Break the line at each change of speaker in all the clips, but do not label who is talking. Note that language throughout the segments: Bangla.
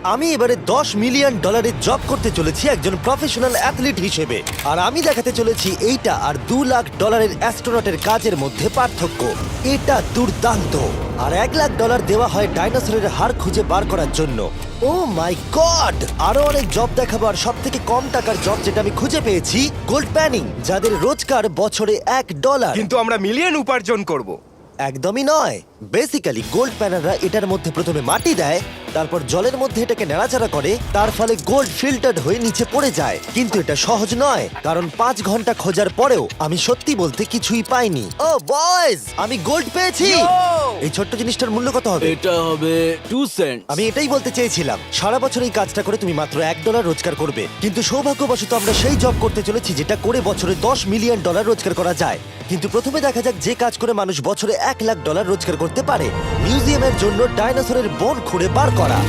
আমি এবারে $10 মিলিয়ন জব করতে চলেছি একজন প্রফেশনাল অ্যাথলিট হিসেবে। আর আমি দেখাতে চলেছি এইটা আর $2 লাখ অ্যাস্ট্রোনটের কাজের মধ্যে পার্থক্য। এটা দুর্দান্ত। আর $1 লাখ দেওয়া হয় ডাইনোসরের হাড় খুঁজে বার করার জন্য। Oh my god! আরো অনেক জব দেখাবার সব থেকে কম টাকার জব যেটা আমি খুঁজে পেয়েছি, গোল্ড প্যানিং, যাদের রোজগার বছরে $1।
কিন্তু আমরা মিলিয়ন উপার্জন করব।
একদমই নয়। বেসিক্যালি গোল্ড প্যানাররা এটার মধ্যে প্রথমে মাটি দেয়, তারপর জলের মধ্যে এটাকে নাড়াচাড়া করে, তার ফলে গোল্ড ফিল্টার্ড হয়ে নিচে পড়ে যায়। কিন্তু এটা সহজ নয়, কারণ 5 ঘন্টা খোঁজার পরেও আমি সত্যি বলতে কিছুই পাইনি। ও বয়েজ, আমি গোল্ড পেয়েছি। এই ছোট্ট জিনিসটার মূল্য কত হবে?
এটা হবে 2 সেন্ট।
আমি এটাই বলতে চেয়েছিলাম। সারা বছর এই কাজটা করে তুমি মাত্র $1 রোজগার করবে, কিন্তু সৌভাগ্যবশত আমরা সেই জব করতে চলেছি যেটা করে বছরে $10 মিলিয়ন রোজগার করা যায়। কিন্তু প্রথমে দেখা যাক যে কাজ করে মানুষ বছরে $1 লাখ রোজগার করতে পারে। মিউজিয়ামের জন্য ডাইনোসরের বোন খুঁড়ে বার করা।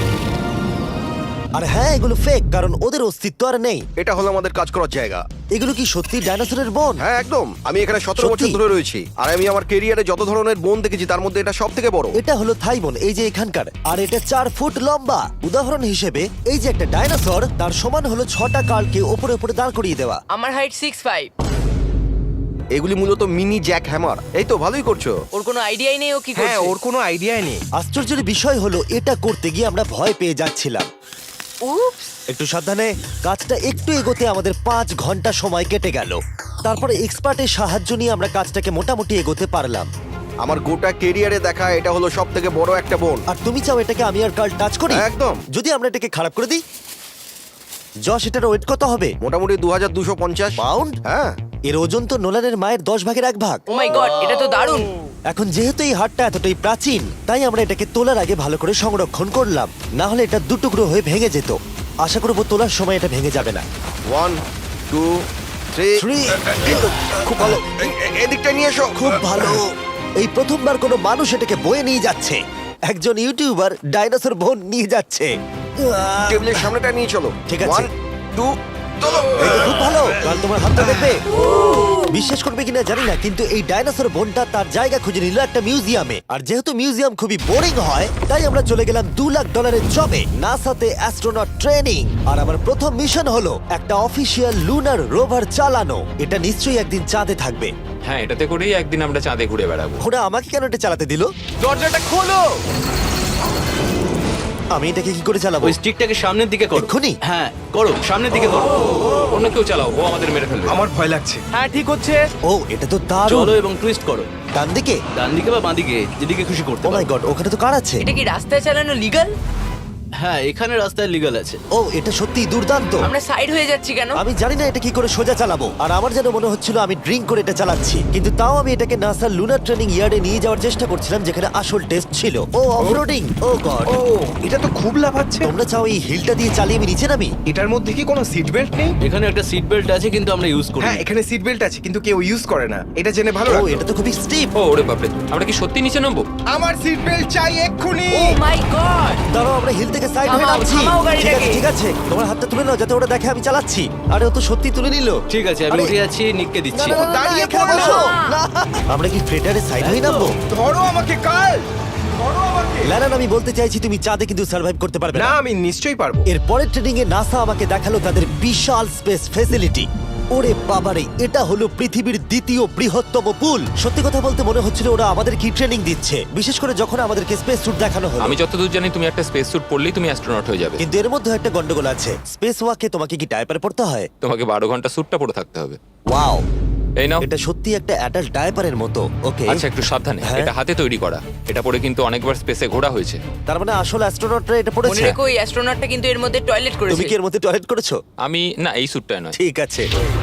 আর হ্যাঁ, এগুলো ফেক, কারণ ওদের অস্তিত্ব আর নেই।
এটা হলো আমাদের কাজ করার জায়গা।
এগুলো কি সত্যি ডাইনোসরের বোন?
হ্যাঁ একদম। আমি এখানে 17
সত্যি?
বছর ধরে রয়েছি, আর আমি আমার কেরিয়ারে যত ধরনের বোন দেখেছি তার মধ্যে এটা সব থেকে বড়।
এটা হলো থাই বোন, এই যে এখানকার। আর এটা 4 ফুট লম্বা। উদাহরণ হিসেবে এই যে একটা ডাইনোসর, তার সমান হলো 6টা কালকে ওপরে ওপরে দাঁড় করিয়ে দেওয়া।
আমার হাইট 6'5".
এগুলি মূলত মিনি জ্যাক হ্যামার। এই তো ভালোই করছো।
ওর কোনো আইডিয়াই নেই ও কি
হ্যাঁ,
করছে।
ওর কোনো আইডিয়াই নেই।
আশ্চর্যের বিষয় হলো এটা করতে গিয়ে আমরা ভয় পেয়ে যাচ্ছিলাম।
উপস।
একটু সাবধানে। কাজটা একটু এগোতে আমাদের 5 ঘন্টা সময় কেটে গেল। তারপরে এক্সপার্টের সাহায্য নিয়ে আমরা কাজটাকে মোটামুটি এগোতে পারলাম।
আমার গোটা কেরিয়ারে দেখা এটা হলো সব থেকে বড় একটা বোন।
আর তুমি চাও এটাকে আমি আর কাল টাচ করি?
একদম।
যদি আমরা এটাকে খারাপ করে দিই? যশ, এটার ওয়েট কত হবে?
মোটামুটি 2250
পাউন্ড?
হ্যাঁ।
এর ওজন তো নোলানের মায়ের 10 ভাগের 1 ভাগ।
ও মাই গড, এটা তো দারুণ।
এখন যেহেতু এই হাটটা এতটাই প্রাচীন, তাই আমরা এটাকে তোলার আগে ভালো করে সংরক্ষণ করলাম, না হলে এটা দুটুকরো হয়ে ভেঙে যেত। আশা করবো তোলার সময় এটা ভেঙে যাবে না।
1 2 3
Three.
খুব ভালো। এদিকটা নিয়ে এসো।
খুব ভালো। এই প্রথমবার কোনো মানুষ এটাকে বয়ে নিয়ে যাচ্ছে। একজন ইউটিউবার ডাইনোসর বোন নিয়ে যাচ্ছে।
টেবিলের সামনেটা নিয়ে চলো।
ঠিক আছে।
1 2 চলো।
এই তো খুব ভালো। কাল তোমার হাতটা দেখবে। বিশ্বাস করবে কিনা জানি না, কিন্তু এই ডাইনোসর বোনটা তার জায়গা খুঁজে নিল একটা মিউজিয়ামে। আর যেহেতু মিউজিয়াম খুবই বোরিং হয়, তাই আমরা চলে গেলাম $2 লাখ জবে, নাসাতে অ্যাস্ট্রোনট ট্রেনিং। আর আমার প্রথম মিশন হলো একটা অফিসিয়াল লুনার রোভার চালানো। এটা নিশ্চয়ই একদিন চাঁদে থাকবে।
হ্যাঁ, এটাতে করেই একদিন আমরা চাঁদে ঘুরে বেড়াবো।
ওরা আমাকে কেন এটা চালাতে দিল?
দরজাটা খোলো।
আমি এটাকে কি করে চালাবো?
ওই স্টিকটাকে সামনের দিকে করো।
এক্ষুনি?
হ্যাঁ, করো, সামনের দিকে করো।
অন্য কেউ চালাও, ও আমাদের মেরে ফেলবে।
আমার ভয় লাগছে। হ্যাঁ, ঠিক হচ্ছে।
ও, এটা তো দারুণ।
চলো এবং টুইস্ট করো।
ডান দিকে?
ডান দিকে বা বাঁ দিকে, যেদিকে খুশি করতে
ও মাই
পারো।
গড, ওখানে তো কার আছে?
এটা কি রাস্তায় চালানো লিগ্যাল?
হ্যাঁ, এখানে রাস্তায় লিগ্যাল আছে।
ও, এটা সত্যিই দুর্দান্ত।
আমরা সাইড হয়ে যাচ্ছি কেন?
আমি জানি না এটা কি করে সোজা চালাবো। আর আমার যেন মনে হচ্ছিল আমি ড্রিঙ্ক করে এটা চালাচ্ছি। কিন্তু তাও আমি এটাকে নাসার লুনার ট্রেনিং ইয়ার্ডে নিয়ে যাওয়ার চেষ্টা করছিলাম, যেখানে আসল টেস্ট ছিল। ও, অফরোডিং। ও গড।
ও, এটা তো খুব লাফাচ্ছে।
তোমরা চাও এই হিলটা দিয়ে চালিয়ে আমি নিচে নামি?
এটার মধ্যে কি কোনো সিট বেল্ট নেই?
এখানে একটা সিট বেল্ট আছে, কিন্তু আমরা ইউজ করি না।
হ্যাঁ, এখানে সিট বেল্ট আছে, কিন্তু কেউ ইউজ করে না। এটা জেনে ভালো
ও,
লাগলো।
এটা তো খুবই স্টিপ।
ও ওরে বাপরে, আমরা কি সত্যি নিচে নামবো?
আমার সিট বেল্ট চাই এক্ষুনি।
Oh my god.
দাঁড়াও, আমরা হিল থেকে সাইড হয়ে
থামাও,
নামছি।
থামাও গাড়িটাকে।
ঠিক আছে, ঠিক আছে। তোমার হাতটা তুলে নাও যাতে ওরা দেখে আমি চালাচ্ছি। আরে, ও তো সত্যি তুলে নিল।
ঠিক আছে, আমি
আরে,
উঠে যাচ্ছি, নিককে
না,
দিচ্ছি।
না, না, না,
দাঁড়িয়ে
এখানে
পড়ো।
বসো। না। আমরা কি ফ্রেটারে সাইড হয়ে নামবো?
ধরো আমাকে কাল। ধরো আমাকে।
ল্যারান, আমি বলতে চাইছি তুমি চাঁদে কিন্তু সার্ভাইভ করতে পারবে
না,
না।
আমি নিশ্চয়ই পারবো।
এর পরের ট্রেনিং এ নাসা আমাকে দেখালো তাদের বিশাল স্পেস ফেসিলিটি। ওরে বাবারে, এটা হলো পৃথিবীর দ্বিতীয় বৃহত্তম পুল। সত্যি কথা বলতে মনে হচ্ছিল ওরা আমাদের কি ট্রেনিং দিচ্ছে, বিশেষ করে যখন আমাদেরকে স্পেস স্যুট দেখানো হলো।
আমি যতদূর জানি তুমি একটা স্পেস স্যুট পরলেই তুমি অ্যাস্ট্রোনট হয়ে যাবে।
কিন্তু এর মধ্যে একটা গন্ডগোল আছে। স্পেস ওয়াকে তোমাকে কি ডায়পার পড়তে হয়?
তোমাকে 12 ঘন্টা স্যুটটা পরে থাকতে হবে।
ওয়াও,
এই নাও।
এটা সত্যি একটা অ্যাডাল্ট ডায়পারের মতো। ওকে,
আচ্ছা, একটু সাবধানে।
হ্যাঁ।
এটা হাতে তৈরি করা। এটা পরে কিন্তু অনেকবার স্পেসে ঘোরা হয়েছে।
তার মানে আসল অ্যাস্ট্রোনটরা এটা
মনে
পড়েছে।
রেখো এই অ্যাস্ট্রোনটটা কিন্তু এর মধ্যে টয়লেট
তুমি
করেছে।
কি এর মধ্যে টয়লেট করেছো?
আমি না, এই স্যুটটায় নয়।
ঠিক আছে।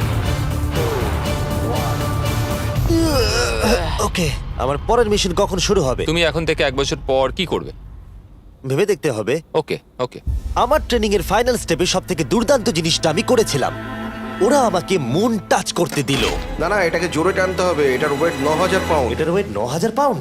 ওকে, আমার পরের মিশন কখন শুরু হবে
তুমি এখন থেকে 1 বছর পর কি করবে?
ভেবে দেখতে হবে।
ওকে ওকে।
আমার ট্রেনিং এর ফাইনাল স্টেপে সব থেকে দুর্দান্ত জিনিসটা আমি করেছিলাম। ওরা আমাকে মুন টাচ করতে দিল।
না না, এটাকে জোরে টানতে হবে। এটার ওয়েট 9000 পাউন্ড।
এটার ওয়েট 9000 পাউন্ড।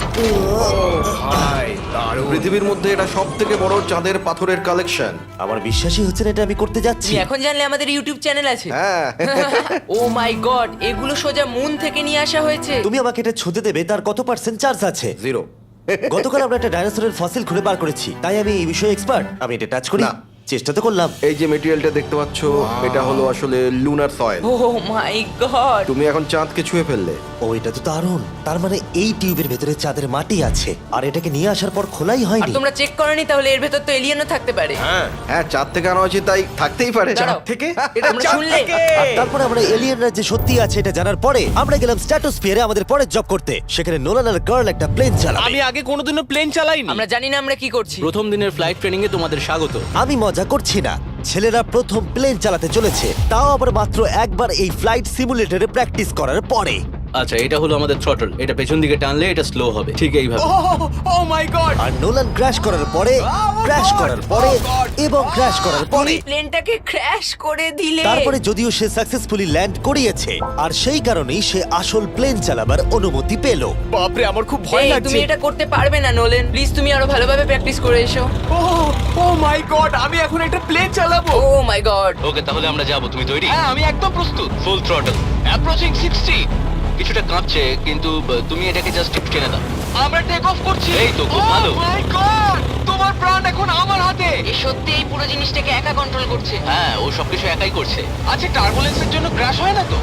ভাই, দারুণ।
পৃথিবীর মধ্যে এটা সব থেকে বড় চাঁদের পাথরের কালেকশন।
আমার বিশ্বাসই হচ্ছে না এটা আমি করতে যাচ্ছি।
তুমি এখন জানলে আমাদের ইউটিউব চ্যানেল আছে।
হ্যাঁ।
ও মাই গড, এগুলো সোজা মুন থেকে নিয়ে আসা হয়েছে।
তুমি আমাকে এটা ছুঁতে দেবে, তার কত % চার্জ আছে?
0।
গতকাল আমরা একটা ডাইনোসরের ফসিল খুঁজে বার করেছি, তাই আমি এই বিষয়ে এক্সপার্ট। আমি এটা টাচ করি,
না।
চেষ্টা তো করলাম।
এই যে মেটেরিয়ালটা দেখতে পাচ্ছ, এটা হলো আসলে lunar soil.
Oh my god,
তুমি এখন চাঁদকে ছুঁয়ে ফেললে।
ও, এটা তো দারুণ। তার মানে এই টিউবের ভেতরে চাঁদের মাটি আছে, আর এটাকে নিয়ে আসার পর খোলাই
আর
হয়নি।
তোমরা চেক করনি? তাহলে এর ভেতর তো এলিয়েনও থাকতে পারে।
হ্যাঁ, চাঁদ থেকে আনা হয়েছে, তাই থাকতেই পারে।
দাঁড়াও।
থেকে এটা
আমরা
চাঁদ
শুনলে?
থেকে।
আর তারপরে আমরা এলিয়েনরা যে সত্যি আছে এটা জানার পরে আমরা গেলাম স্ট্র্যাটোস্ফিয়ারে আমাদের পরের জব করতে। সেখানে নোলান আর গার্ল একটা প্লেন চালাবে।
আমি আগে কোনোদিনও প্লেন চালাইনি।
আমরা জানি না আমরা কি করছি।
প্রথম দিনের ফ্লাইট ট্রেনিং এ তোমাদের স্বাগত।
আমি মজা করছি না, ছেলেরা প্রথম প্লেন চালাতে চলেছে, তাও আবার মাত্র একবার এই ফ্লাইট সিমুলেটরে প্র্যাকটিস করার পরে।
আচ্ছা, এটা হলো আমাদের থ্রটল। এটা পেছন দিকে টানলে এটা স্লো হবে, ঠিক এইভাবে।
ও মাই গড,
আর নোলান ক্র্যাশ করার পরে, ক্র্যাশ করার পরে এবং ক্র্যাশ করার পরে,
তুমি প্লেনটাকে ক্র্যাশ করে দিলে।
তারপরে যদিও সে সাকসেসফুলি ল্যান্ড করিয়েছে, আর সেই কারণেই সে আসল প্লেন চালাবার অনুমতি পেল।
বাপরে আমার খুব ভয়
এই,
লাগছে।
তুমি এটা করতে পারবে না নোলেন। প্লিজ তুমি আরো ভালোভাবে প্র্যাকটিস করে এসো।
ও মাই গড, আমি এখন একটা প্লেন চালাবো।
ও মাই গড।
ওকে, তাহলে আমরা যাবো। তুমি তৈরি?
হ্যাঁ, আমি একদম প্রস্তুত।
Full throttle, approaching 60। কিছুটা কাঁপছে, কিন্তু তুমি এটাকে জাস্ট টেনে দাও।
আমরা টেক অফ করছি।
এই তো, খুব ভালো।
ও মাই গড, তোমার প্রাণ এখন আমার হাতে।
এ সত্যি এই পুরো জিনিসটাকে একা কন্ট্রোল করছে।
হ্যাঁ, ও সবকিছু একাই করছে।
আচ্ছা, টার্বুলেন্সের জন্য ক্র্যাশ হয় না তো?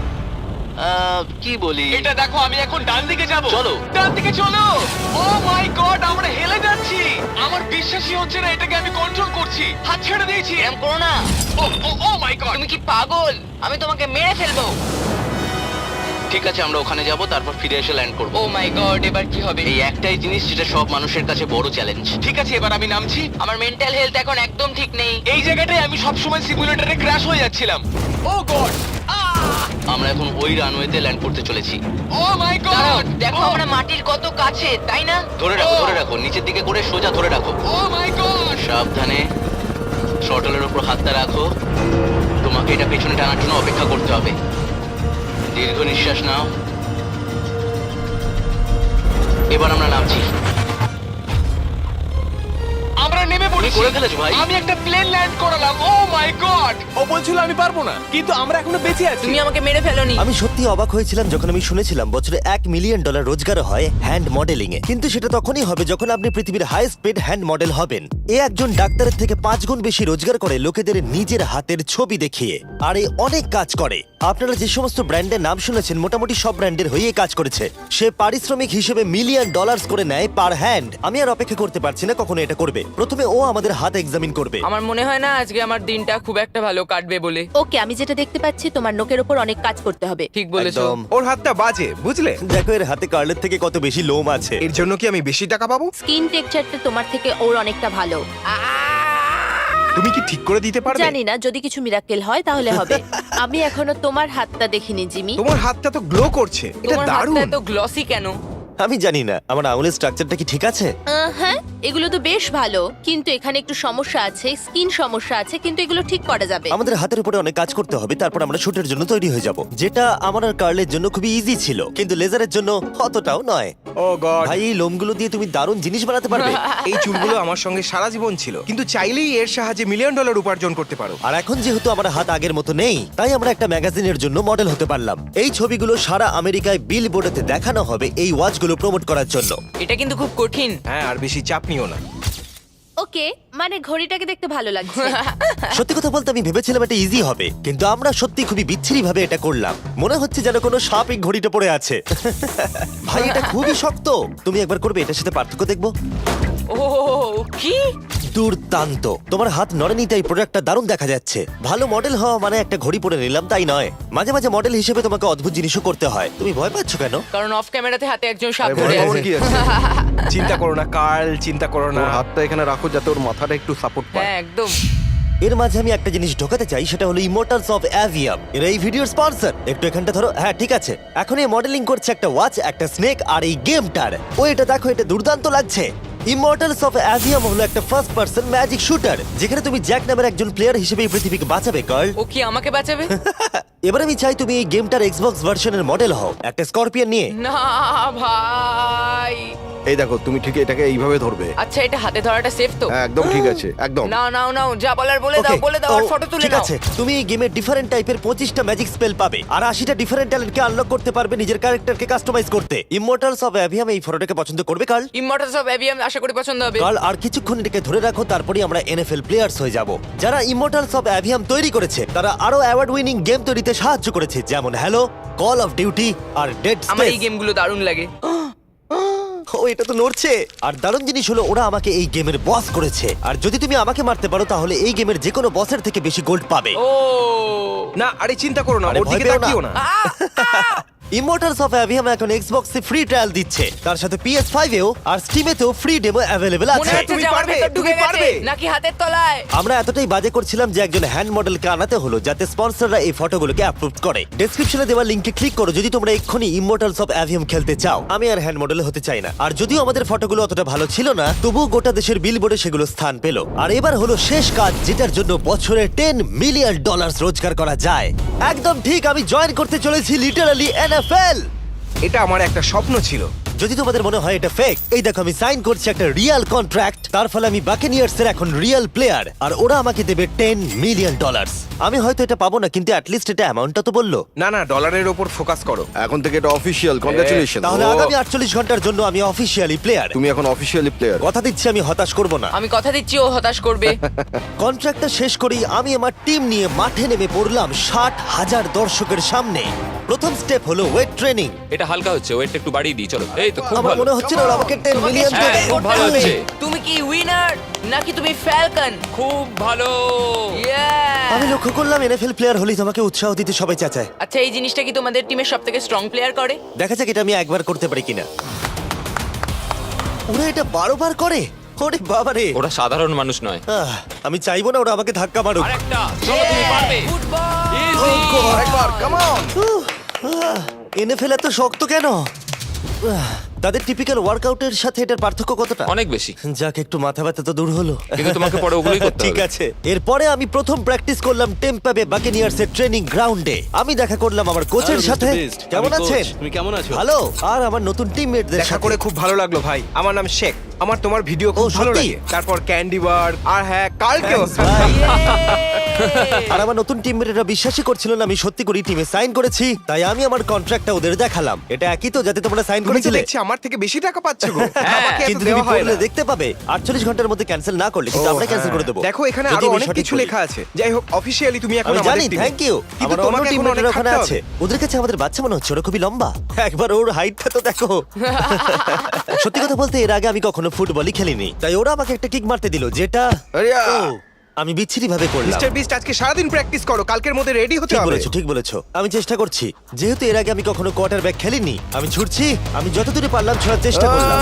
কি বলি?
এটা দেখো, আমি এখন ডান দিকে যাব।
চলো।
ডান দিকে চলো। ও মাই গড, আমরা হেলে যাচ্ছি। আমার বিশ্বাসই হচ্ছে না এটাকে আমি কন্ট্রোল করছি। হাত ছেড়ে দিয়েছি।
এরকম করো না।
Oh my god.
তুমি কি পাগল? আমি তোমাকে মেরে ফেলবো।
ঠিক আছে, আমরা ওখানে যাব, তারপর ফিরে এসে ল্যান্ড করব।
ও মাই গড, এবার কি হবে?
এই একটাই জিনিস যেটা সব মানুষের কাছে বড় চ্যালেঞ্জ।
ঠিক আছে, এবার আমি নামছি।
আমার মেন্টাল হেলথ এখন একদম ঠিক নেই।
এই জায়গাটায় আমি সব সময় সিমুলেটরে ক্র্যাশ হয়ে যাচ্ছিলাম। ও গড,
আমরা এখন ওই রানওয়েতে ল্যান্ড করতে চলেছি।
ও মাই
দাঁড়াও,
গড।
দেখো আমরা মাটির কত কাছে, তাই না?
ধরে রাখো, ধরে রাখো, নিচের দিকে করে সোজা ধরে রাখো।
Oh my god.
সাবধানে থ্রটলের উপর হাতটা রাখো। তোমাকে এটা পেছনে টানার জন্য অপেক্ষা করতে হবে। দীর্ঘ নিঃশ্বাস নাও। এবার আমরা নামছি।
আমরা নেমে পড়েছি।
করে ফেলেছো ভাই।
আমি একটা প্লেন ল্যান্ড করালাম। ও মাই গড। ও বলছিল আমি পারবো না, কিন্তু আমরা এখনো বেঁচে আছি।
তুমি আমাকে মেরে ফেলোনি।
আমি সত্যি অবাক হয়েছিলাম যখন আমি শুনেছিলাম বছরে $1 মিলিয়ন রোজগার হয় হ্যান্ড মডেলিং এ। কিন্তু সেটা তখনই হবে যখন আপনি পৃথিবীর হাইয়েস্ট পেড হ্যান্ড মডেল হবেন। এ একজন ডাক্তারের থেকে 5 গুণ বেশি রোজগার করে লোকেদের নিজের হাতের ছবি দেখিয়ে। আর এ অনেক কাজ করে। আপনারা যে সমস্ত ব্র্যান্ডের নাম শুনেছেন, মোটামুটি সব ব্র্যান্ডের হয়ে কাজ করেছে। সে পারিশ্রমিক হিসেবে $1 মিলিয়ন করে নেয় পার হ্যান্ড। আমি আর অপেক্ষা করতে পারছি না কখনো এটা করবে। প্রথমে ও আমাদের হাত এক্সামিন করবে।
আমার মনে হয় না আজকে আমার দিনটা খুব একটা ভালো কাটবে বলে।
ওকে, আমি যেটা দেখতে পাচ্ছি তোমার নোকের ওপর অনেক কাজ করতে হবে।
ঠিক বলেছো।
একদম।
ওর হাতটা বাজে, বুঝলে?
দেখো এর হাতে কার্লের থেকে কত বেশি লোম আছে।
এর জন্য কি আমি বেশি টাকা পাবো?
স্কিন টেক্সচারটা তোমার থেকে ওর অনেকটা ভালো।
তুমি কি ঠিক করে দিতে পারবে?
জানি না, যদি কিছু মিরাকেল হয় তাহলে হবে। আমি এখনো তোমার হাতটা দেখিনি জিমি।
তোমার হাতটা তো গ্লো করছে। এটা
তোমার
দারুণ।
হাতটা এত গ্লসি কেন?
আমি জানি না আমার আঙুলের স্ট্রাকচারটা কি ঠিক আছে।
হ্যাঁ, এগুলো তো বেশ ভালো, কিন্তু এখানে একটু সমস্যা আছে, স্কিন সমস্যা আছে, কিন্তু এগুলো ঠিক করা যাবে।
আমাদের হাতের উপরে অনেক কাজ করতে হবে, তারপর আমরা শুটের জন্য তৈরি হয়ে যাব, যেটা আমার আর কার্লের জন্য খুবই ইজি ছিল, কিন্তু লেজারের জন্য অতটাও নয়।
Oh god.
ভাই এই লোমগুলো দিয়ে তুমি দারুণ জিনিস বানাতে পারবে।
এই চুলগুলো আমার সঙ্গে সারা জীবন ছিল, কিন্তু চাইলেই এর সাহায্যে $1 মিলিয়ন উপার্জন করতে পারো।
আর এখন যেহেতু আমার হাত আগের মতো নেই, তাই আমরা একটা ম্যাগাজিনের জন্য মডেল হতে পারলাম। এই ছবিগুলো সারা আমেরিকায় বিলবোর্ডেতে দেখানো হবে এই ওয়াচগুলো প্রমোট করার জন্য।
এটা কিন্তু খুব কঠিন।
হ্যাঁ, আর বেশি চাপ নিও না।
ওকে, মানে ঘড়িটাকে দেখতে ভালো লাগছে।
সত্যি কথা বলতে আমি ভেবেছিলাম এটা ইজি হবে, কিন্তু আমরা সত্যি খুবই বিচ্ছিরি ভাবে এটা করলাম। মনে হচ্ছে যেন কোনো সাপ এই ঘড়িটা পড়ে আছে। ভাই এটা খুবই শক্ত। তুমি একবার করবে, এটার সাথে পার্থক্য দেখবো।
ও কি
দুর্দান্ত। তোমার হাত নড়েনি, তাই প্রোডাক্টটা দারুণ দেখা যাচ্ছে। ভালো মডেল হওয়া মানে একটা ঘড়ি পরে নিলাম তাই নয়, মাঝে মাঝে মডেল হিসেবে তোমাকে অদ্ভুত জিনিসও করতে হয়। তুমি ভয় পাচ্ছ কেন?
কারণ অফ ক্যামেরাতে হাতে একজন সাপ
আরে
ধরে
ভয় পাওয়ার
আছে।
কি আছে?
চিন্তা করো না কার্ল, চিন্তা করো না।
ওর হাতটা এখানে রাখো যাতে ওর মাথাটা একটু সাপোর্ট পায়।
হ্যাঁ একদম।
এর মাঝে আমি একটা জিনিস ঢোকাতে চাই, সেটা হলো ইমোর্টালস অফ অ্যাভিয়াম। এর এই ভিডিওর স্পন্সর। একটু এখানটা ধরো। হ্যাঁ ঠিক আছে। এখন এই মডেলিং করছে একটা ওয়াচ, একটা স্নেক আর এই গেমটার। ও এটা দেখো, এটা দুর্দান্ত লাগছে। ইমর্টালস অফ অ্যাভিয়াম হলো একটা ফার্স্ট পার্সন ম্যাজিক শুটার যেখানে তুমি জ্যাক নামের একজন প্লেয়ার হিসেবে এই পৃথিবীকে বাঁচাবে কার্ল।
ও কি আমাকে বাঁচাবে?
এবার আমি চাই তুমি এই গেমটার এক্সবক্স ভার্সনের মডেল হও একটা স্করপিয়ন নিয়ে।
না ভাই।
এই দেখো, তুমি ঠিক এটাকে এইভাবে ধরবে।
আচ্ছা, এটা হাতে ধরাটা সেফ তো?
হ্যাঁ, একদম ঠিক আছে, একদম।
নাও নাও নাও, যা বলার বলে দাও,
Okay,
বলে দাও, আর
ও,
ফটো তুলে
ঠিক
নাও।
আছে, তুমি এই গেমে ডিফারেন্ট টাইপের 25টা ম্যাজিক স্পেল পাবে আর 80টা ডিফারেন্ট ট্যালেন্টকে আনলক করতে পারবে নিজের ক্যারেক্টারকে কাস্টমাইজ করতে। ইমর্টালস অফ অ্যাভিয়াম এই ফটোটাকে পছন্দ করবে কার্ল?
ইমমর্টালস অফ অ্যাভিয়াম আশা করি পছন্দ হবে।
কাল আর কিছুক্ষণ এটাকে ধরে রাখো, তারপরেই আমরা এনএফএল প্লেয়ার্স হয়ে যাব। যারা ইমর্টালস অফ অ্যাভিয়াম তৈরি করেছে তারা আরো অ্যাওয়ার্ড উইনিং গেম তৈরিতে সাহায্য করেছে, যেমন হ্যালো, কল অফ ডিউটি আর ডেড
আমার এই
স্পেস।
গেমগুলো দারুণ লাগে।
ও, এটা তো নড়ছে। আর দারুণ জিনিস হলো ওরা আমাকে এই গেমের বস করেছে, আর যদি তুমি আমাকে মারতে পারো তাহলে এই গেমের যে কোনো বসের থেকে বেশি গোল্ড পাবে।
ও
না, আরে চিন্তা করো না,
আরে
ওর
ভয়
দিকে
পেও না।
তাকিও না।
ইমর্টালস অফ অ্যাভিয়াম এখন এক্সবক্সে ফ্রি ট্রায়াল দিচ্ছে, তার সাথে PS5 এও আর স্টিমেতেও ফ্রি ডেমো অ্যাভেলেবল
মনে
আছে।
হচ্ছে
তুমি
যে আমার
পারবে,
ভেতর ঢুকে
তুমি
গেছে
পারবে।
নাকি হাতের তলায়।
আমরা এতটাই বাজে করছিলাম যে একজন হ্যান্ড মডেলকে আনাতে হলো যাতে স্পন্সররা এই ফটোগুলোকে অ্যাপ্রুভ করে। ডেসক্রিপশনে দেওয়া লিংকে ক্লিক করো যদি তোমরা এক্ষুনি ইমর্টালস অফ অ্যাভিয়াম খেলতে চাও। আমি আর হ্যান্ড মডেল হতে চাই না, আর যদিও আমাদের ফটোগুলো অতটা ভালো ছিল না তবুও গোটা দেশের বিলবোর্ডে সেগুলো স্থান পেল। আর এবার হলো শেষ কাজ, যেটার জন্য বছরে $10 মিলিয়ন রোজগার করা যায়। একদম ঠিক, আমি জয়েন করতে চলেছি লিটারালি NFL।
এটা আমার একটা স্বপ্ন ছিল।
যদি তোমাদের মনে হয় এটা ফেক, এই দেখো আমি সাইন করছি একটা রিয়েল কন্ট্রাক্ট। তার ফলে আমি বাকেনিয়ার্স এর এখন রিয়েল প্লেয়ার, আর ওরা আমাকে দেবে $10 মিলিয়ন। আমি হয়তো এটা পাবো না, কিন্তু অ্যাটলিস্ট এটা অ্যামাউন্টটা তো বললো।
না না, ডলারের ওপর ফোকাস করো।
এখন থেকে এটা অফিসিয়াল, কংগ্রাচুলেশন।
তাহলে আগামী 48 ঘন্টার জন্য আমি অফিসিয়ালি প্লেয়ার।
তুমি এখন অফিসিয়ালি প্লেয়ার।
কথা দিচ্ছি আমি হতাশ করব না।
আমি কথা দিচ্ছি ও হতাশ করবে।
কন্ট্রাক্টটা শেষ করেই আমি আমার টিম নিয়ে মাঠে নেমে পড়লাম 60,000 দর্শকের সামনে। প্রথম স্টেপ হলো ওয়েট ট্রেনিং।
এটা হালকা হচ্ছে, ওয়েটটা একটু বাড়িয়ে দিই চলো। এই তো খুব
আমার
ভালো।
মনে হচ্ছে না ওরা আমাকে 10
তোমাকে
মিলিয়ন
স্বীকার
দেবে।
খুব
করতে
ভালো
হবে।
হচ্ছে।
তুমি কি উইনার নাকি তুমি ফ্যালকন?
খুব ভালো।
আমি লক্ষ্য করলাম NFL প্লেয়ার হলেই তোমাকে উৎসাহ দিতে সবাই চাচায়।
আচ্ছা, এই জিনিসটা কি তোমাদের টিমের সবথেকে স্ট্রং প্লেয়ার করে?
দেখা যাক এটা আমি একবার করতে পারি কিনা। ওরা এটা 12 বার করে? ওরে বাবারে।
ওরা সাধারণ মানুষ নয়।
আমি চাইবো না ওরা আমাকে ধাক্কা মারুক।
আরেকটা, চলো তুমি পারবে।
ফুটবল।
Easy!
আরেকবার, কাম অন।
NFL এত শক্ত কেন? তাদের টিপিক্যাল ওয়ার্কআউটের সাথে এটার পার্থক্য কতটা?
অনেক বেশি।
যাক, একটু মাথা ব্যথা তো দূর হলো।
কিন্তু তোমাকে পরে ওগুলোই করতে
ঠিক
হবে।
আছে। এরপরে আমি প্রথম প্র্যাকটিস করলাম টেম্পা বে বাকেনিয়ার্স এর ট্রেনিং গ্রাউন্ডে। আমি দেখা করলাম আমার কোচের সাথে। কেমন আছেন?
তুমি কেমন আছো?
ভালো। আর আমার নতুন টিমমেটদের
দেখা
সাথে
করে খুব ভালো লাগলো ভাই। আমার নাম শেখ। আমার তোমার ভিডিও খুব
ও,
ভালো
সত্যি?
লাগে। তারপর ক্যান্ডি বার আর হ্যাঁ, কালকেও।
আর আমার নতুন টিমমেটরা বিশ্বাসই করছিল না আমি সত্যি করে টিমে সাইন করেছি, তাই আমি আমার কন্ট্রাক্টটা ওদের দেখালাম। এটা একই তো যাতে তোমরা সাইন
তুমি তো
করেছিলে?
দেখছি আমার থেকে বেশি টাকা পাচ্ছ গো। আমাকে এত
কিন্তু
দেওয়া
তুমি
হয়
পড়লে
না।
দেখতে পাবে 48 ঘন্টার মধ্যে ক্যান্সেল না করলে কিন্তু
ও,
আমরা ক্যান্সেল
হ্যাঁ।
করে দেবো।
দেখো এখানে
যদি
আরো
আমি
অনেক
সঠিক
কিছু
বলি।
লেখা আছে। যাই হোক, অফিসিয়ালি তুমি এখন
আমি
আমাদের
জানি,
টিমে।
Thank you.
কিন্তু
আমার অন্য
তোমাকে এখন
টিমমেটরা
অনেক
ওখানে
খাটতে
আছে।
হবে।
ওদের কাছে আমাদের বাচ্চা মনে হচ্ছে, ওরা খুবই লম্বা। একবার ওর হাইটটা তো দেখো। সত্যি কথা বলতে এর আগে আমি কখনো ফুটবলই খেলিনি, তাই ওরা আমাকে একটা কিক মারতে দিল যেটা
আরিয়া।
ও, আমি বিচ্ছিরি ভাবে করলাম।
মিস্টার বিস্ট, আজকে সারাদিন প্র্যাকটিস করো, কালকের মধ্যে রেডি হতে
ঠিক
হবে।
বলেছো, ঠিক বলেছো। আমি চেষ্টা করছি। যেহেতু এর আগে আমি কখনো কোয়ার্টারব্যাক খেলিনি, আমি ছুটছি। আমি যতদূরে পারলাম ছোড়ার চেষ্টা করলাম।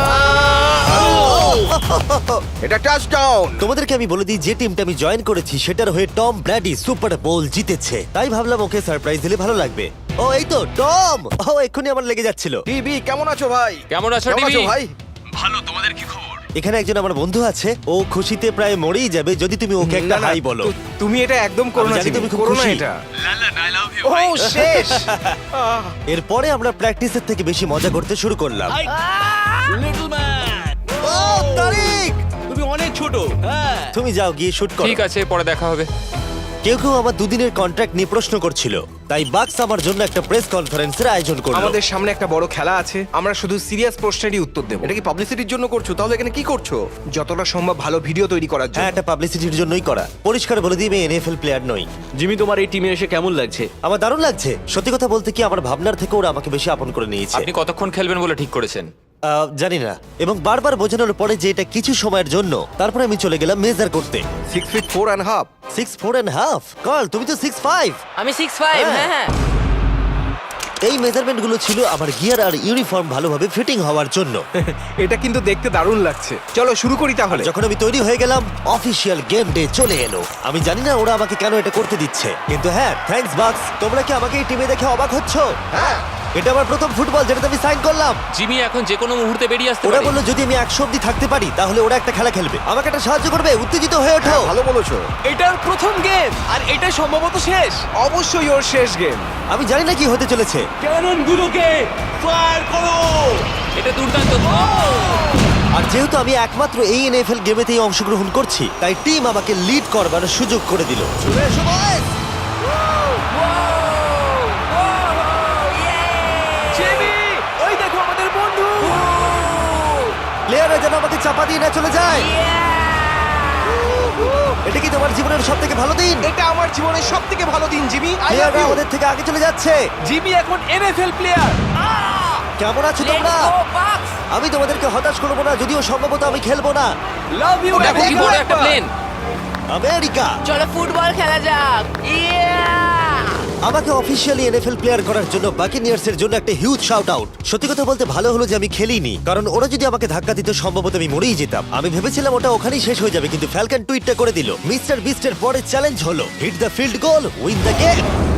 এটা টাচডাউন।
তোমাদেরকে আমি বলে দিই যে টিমটা আমি জয়েন করেছি সেটার হয়ে টম ব্র্যাডি সুপার বোল জিতেছে, তাই ভাবলাম ওকে সারপ্রাইজ দিলে ভালো লাগবে। ও, এই তো টম। ও, এক্ষুনি আমার লেগে যাচ্ছিল।
টিভি কেমন আছো ভাই?
কেমন আছো,
কেমন আছো
টিভি?
ভাই?
এখানে একজন আমার বন্ধু আছে, ও খুশিতে প্রায় মরেই যাবে যদি তুমি ওকে একটা
না, না,
হাই বলো।
তুমি এটা একদম করো
আমি
না,
জানি
জিমি,
তুমি খুব
করো না
খুশি।
এটা। ও শেষ।
এরপরে আমরা প্র্যাকটিসের থেকে বেশি মজা করতে শুরু করলাম।
লিটল ম্যান,
ও, তারিক,
তুমি অনেক ছোট। হ্যাঁ,
তুমি যাও গিয়ে শুট করো।
ঠিক আছে, পরে দেখা হবে।
কেউ কেউ আমার দুদিনের কন্ট্রাক্ট নিয়ে প্রশ্ন করছিল, তাই বাক্স আমার জন্য একটা প্রেস কনফারেন্সের আয়োজন করলো।
আমাদের সামনে একটা বড় খেলা আছে, আমরা শুধু সিরিয়াস প্রশ্নেরই উত্তর দেব।
এটা কি পাবলিসিটির জন্য করছো? তাহলে এখানে কি করছো?
যতটা সম্ভব ভালো ভিডিও তৈরি করার জন্য।
হ্যাঁ, এটা পাবলিসিটির জন্যই করা। পরিষ্কার বলে দিই আমি NFL প্লেয়ার নই।
জিমি, তোমার এই টিমে এসে কেমন লাগছে?
আমার দারুণ লাগছে। সত্যি কথা বলতে কি, আমার ভাবনার থেকে ওরা আমাকে বেশি আপন করে নিয়েছে।
আপনি কতক্ষণ খেলবেন বলে ঠিক করেছেন?
জানি না, এবং বারবার বোঝানোর পরে যে এটা কিছু সময়ের জন্য, তারপরে আমি চলে গেলাম মেজার করতে।
6 feet 4.5।
6'4.5"। কার্ল, তুমি তো 6'5".
আমি 6'5",
হ্যাঁ।
হ্যাঁ।
এই মেজারমেন্টগুলো ছিল আমার গিয়ার আর ইউনিফর্ম ভালোভাবে ফিটিং হওয়ার জন্য।
এটা কিন্তু দেখতে দারুণ লাগছে। চলো শুরু করি তাহলে।
যখন আমি তৈরি হয়ে গেলাম, অফিসিয়াল গেম ডে চলে এলো। আমি জানি না ওরা আমাকে কেন এটা করতে দিচ্ছে, কিন্তু হ্যাঁ, থ্যাঙ্কস বাক্স। তোমরা কি আমাকে এই টিমে দেখে অবাক হচ্ছ?
হ্যাঁ,
এটা আমার প্রথম ফুটবল যেটাতে আমি সাইন করলাম।
জিমি এখন যে কোনো মুহূর্তে বেরিয়ে আসতে
ওরা
পারে।
বললো যদি আমি 100 অব্দি থাকতে পারি তাহলে ওরা একটা খেলা খেলবে, আমাকে একটা সাহায্য করবে। উত্তেজিত হয়ে ওঠো।
ভালো বলেছো।
এটার প্রথম গেম আর এটা সম্ভবত শেষ। অবশ্যই ওর শেষ গেম।
আমি জানি না কি হতে চলেছে।
ক্যাননগুলোকে ফায়ার করো!
এটা দুর্দান্ত।
আর যেহেতু আমি একমাত্র এই এনএফএল গেমেতেই অংশগ্রহণ করছি, তাই টিম আমাকে লিড করবার সুযোগ করে দিল। চলে এসো বয়েজ।
জিমি, ওই দেখো আমাদের বন্ধু।
প্লেয়াররা যেন আমাকে চাপা দিয়ে না চলে যায়। এটা কি তোমার জীবনের সব থেকে ভালো দিন?
এটা আমার জীবনের সবথেকে ভালো দিন জিমি। আই লাভ
প্লেয়াররা
ইউ।
আমাদের থেকে আগে চলে যাচ্ছে।
জিমি এখন এনএফএল প্লেয়ার।
কেমন আছো তোমরা? আমি তোমাদেরকে হতাশ করবো না, যদিও সম্ভবত আমি খেলবো না।
Love you.
দেখো কি বড় একটা প্লেন।
আমেরিকা
চলো ফুটবল খেলা যাক।
আমাকে অফিসিয়ালি এনএফএল প্লেয়ার করার জন্য বাকিনিয়ার্সের জন্য একটা হিউজ শাউট আউট। সত্যি কথা বলতে ভালো হলো যে আমি খেলিনি, কারণ ওরা যদি আমাকে ধাক্কা দিত সম্ভবত আমি মরেই যেতাম। আমি ভেবেছিলাম ওটা ওখানেই শেষ হয়ে যাবে, কিন্তু ফ্যালকন টুইটটা করে দিল, মিস্টার বিস্টের পরের চ্যালেঞ্জ হলো hit the field goal, win the game.